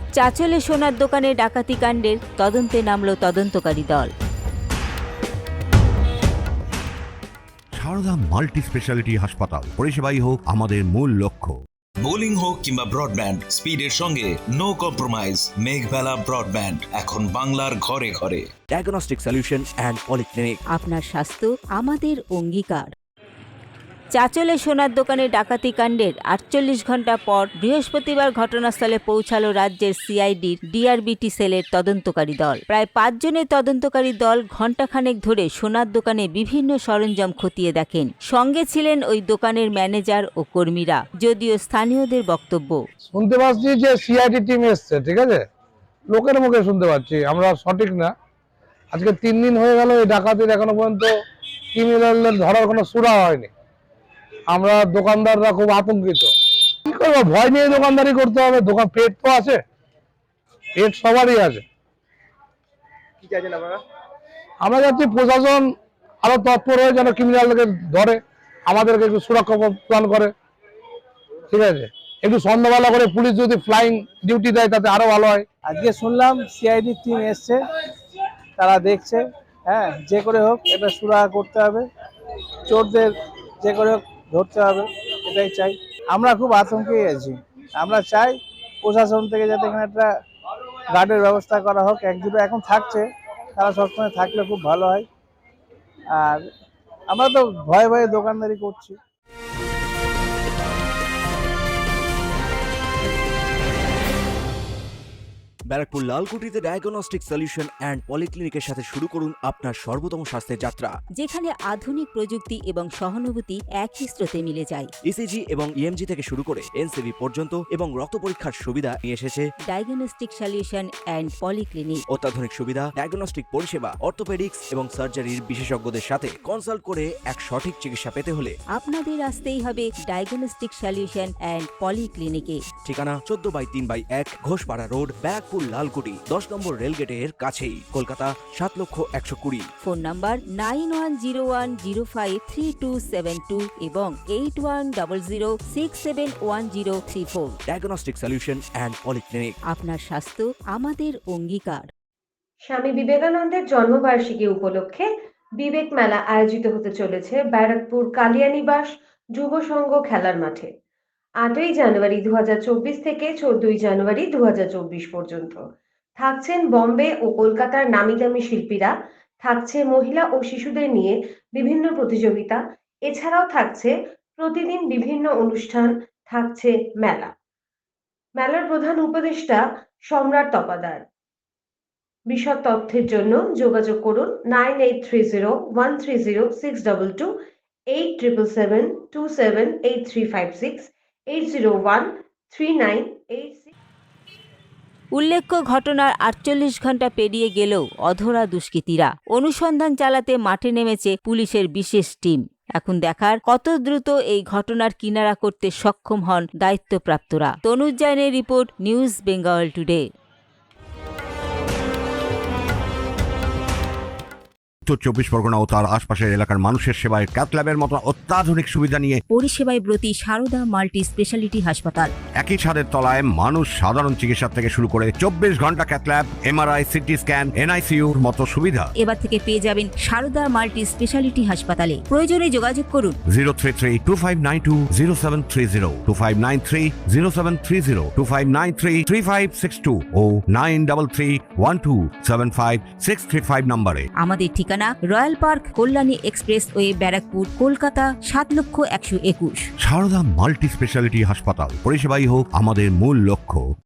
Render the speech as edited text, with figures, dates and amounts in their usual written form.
চাঁচলে সোনার দোকানে ডাকাতি কাণ্ডের তদন্তে নামল তদন্তকারী দল। সারদা মাল্টি স্পেশালিটি হাসপাতাল, পরিষেবাই হোক আমাদের মূল লক্ষ্য। বোলিং হোক কিংবা ব্রডব্যান্ড, স্পিডের সঙ্গে নো কম্প্রোমাইজ। মেঘবেলা ব্রডব্যান্ড এখন বাংলার ঘরে ঘরে। Diagnostic solution and polyclinic. আপনার স্বাস্থ্য আমাদের অঙ্গীকার। চাঁচলে সোনার দোকানে ডাকাতি কাণ্ডের 48 ঘণ্টা পর বৃহস্পতিবার ঘটনাস্থলে পৌঁছালো রাজ্যের সিআইডির ডিআরবিটি সেলের তদন্তকারী দল। প্রায় 5 জনের তদন্তকারী দল ঘণ্টাখানেক ধরে সোনার দোকানে বিভিন্ন সরঞ্জাম খতিয়ে দেখেন। সঙ্গে ছিলেন ওই দোকানের ম্যানেজার ও কর্মীরা। যদিও স্থানীয়দের বক্তব্য, শুনতে পাচ্ছি যে সিআইডি টিম এসছে, ঠিক আছে, লোকের মুখে শুনতে পাচ্ছি, আমরা সঠিক না। আজকে 3 দিন হয়ে গেল এই ডাকাতির, এখনো পর্যন্ত ক্রিমিনালদের ধরার কোনো সুরা হয়নি। আমরা দোকানদাররা খুব আতঙ্কিত। কি করবো, ভয় নিয়ে দোকানদারি করতে হবে। দোকান পেট তো আছে, পেট সবারই আছে। আমরা যাচ্ছি প্রশাসন আরো তৎপর হয়ে যেন ক্রিমিনালকে ধরে, আমাদেরকে একটু সুরক্ষা প্রদান করে, ঠিক আছে। একটু সন্ধ্যাবেলা করে পুলিশ যদি ফ্লাইং ডিউটি দেয় তাতে আরো ভালো হয়। আজকে শুনলাম সিআইডি টিম এসছে, তারা দেখছে। হ্যাঁ, যে করে হোক এটা সুরাহা করতে হবে, চোরদের যে করে হোক ধরতে হবে, এটাই চাই। আমরা খুব আতঙ্কে আছি। আমরা চাই প্রশাসন থেকে যাতে এখানে একটা গার্ডের ব্যবস্থা করা হোক। একজুটো এখন থাকছে, তারা সবসময় থাকলে খুব ভালো হয়। আর আমরা তো ভয়ে ভয়ে দোকানদারি করছি। ব্যারাকপুর লালকুটিতে ডায়াগনস্টিক সলিউশন অ্যান্ড পলিক্লিনিকের সাথে শুরু করুন আপনার সর্বোত্তম স্বাস্থ্যের যাত্রা, যেখানে আধুনিক প্রযুক্তি এবং সহানুভূতি একই স্রোতে মিলে যায়। ইসিজি এবং ইএমজি থেকে শুরু করে এনসিবি পর্যন্ত এবং রক্ত পরীক্ষার সুবিধা নিয়ে এসেছে ডায়াগনস্টিক সলিউশন অ্যান্ড পলিক্লিনিক। অত্যাধুনিক সুবিধা, ডায়াগনস্টিক পরিষেবা, অর্থোপেডিক্স এবং সার্জারির বিশেষজ্ঞদের সাথে কনসাল্ট করে এক সঠিক চিকিৎসা পেতে হলে আপনাদের আসতেই হবে ডায়াগনস্টিক সলিউশন অ্যান্ড পলিক্লিনিকে। ঠিকানা 14/3/1 ঘোষপাড়া রোড, ব্যারাকপুর লালকুটি, 10 নম্বর রেলগেটের কাছেই, কলকাতা 7,120,000। ফোন নাম্বার 9101053272 এবং 8100671034। Diagnostic solution and polyclinic. আপনার স্বাস্থ্য আমাদের অঙ্গীকার। স্বামী বিবেকানন্দের জন্মবার্ষিকী উপলক্ষে বিবেক মেলা আয়োজিত হতে চলেছে ব্যারাকপুর কালিয়ানিবাস যুব সংঘ খেলার মাঠে। 8ই জানুয়ারি 2024 থেকে 14ই জানুয়ারি 2024 পর্যন্ত থাকছেন বম্বে ও কলকাতার নামি দামি শিল্পীরা, থাকছে মহিলা ও শিশুদের নিয়ে বিভিন্ন প্রতিযোগিতা, এছাড়াও থাকছে প্রতিদিন বিভিন্ন অনুষ্ঠান, থাকছে মেলা। মেলার প্রধান উপদেষ্টা সম্রাট তপাদার। বিশদ তথ্যের জন্য যোগাযোগ করুন 9830130622, 8772783836, 8013986। উল্লেখ্য, ঘটনার 48 ঘণ্টা পেরিয়ে গেলেও অধরা দুষ্কৃতীরা। অনুসন্ধান চালাতে মাঠে নেমেছে পুলিশের বিশেষ টিম। এখন দেখার কত দ্রুত এই ঘটনার কিনারা করতে সক্ষম হন দায়িত্বপ্রাপ্তরা। তনুজ জৈনের রিপোর্ট, নিউজ বেঙ্গল টুডে। উত্তর 24 পরগনা ও তার আশপাশের এলাকার মানুষের সেবায় ক্যাথ ল্যাবের মতো অত্যাধুনিক সুবিধা নিয়ে পরিষেবায় ব্রতী সারদা মাল্টি স্পেশালিটি হাসপাতাল। একই ছাদের তলায় মানুষ সাধারণ চিকিৎসা থেকে শুরু করে 24 ঘন্টা cath lab, MRI, CT scan, এনআইসিইউর মতো সুবিধা এবার থেকে পেয়ে যাবেন সারদা মাল্টি স্পেশালিটি হাসপাতালে। প্রয়োজনে যোগাযোগ করুন 033-2592-0730, 2593-0730, 2593-3562 ও 9331275635 নম্বরে। আমাদের ঠিকানা royal park, Kalyani expressway, Barrackpore, Kolkata 7,121,000। Sarada multi speciality হাসপাতাল, পরিষেবাই হোক আমাদের মূল লক্ষ্য।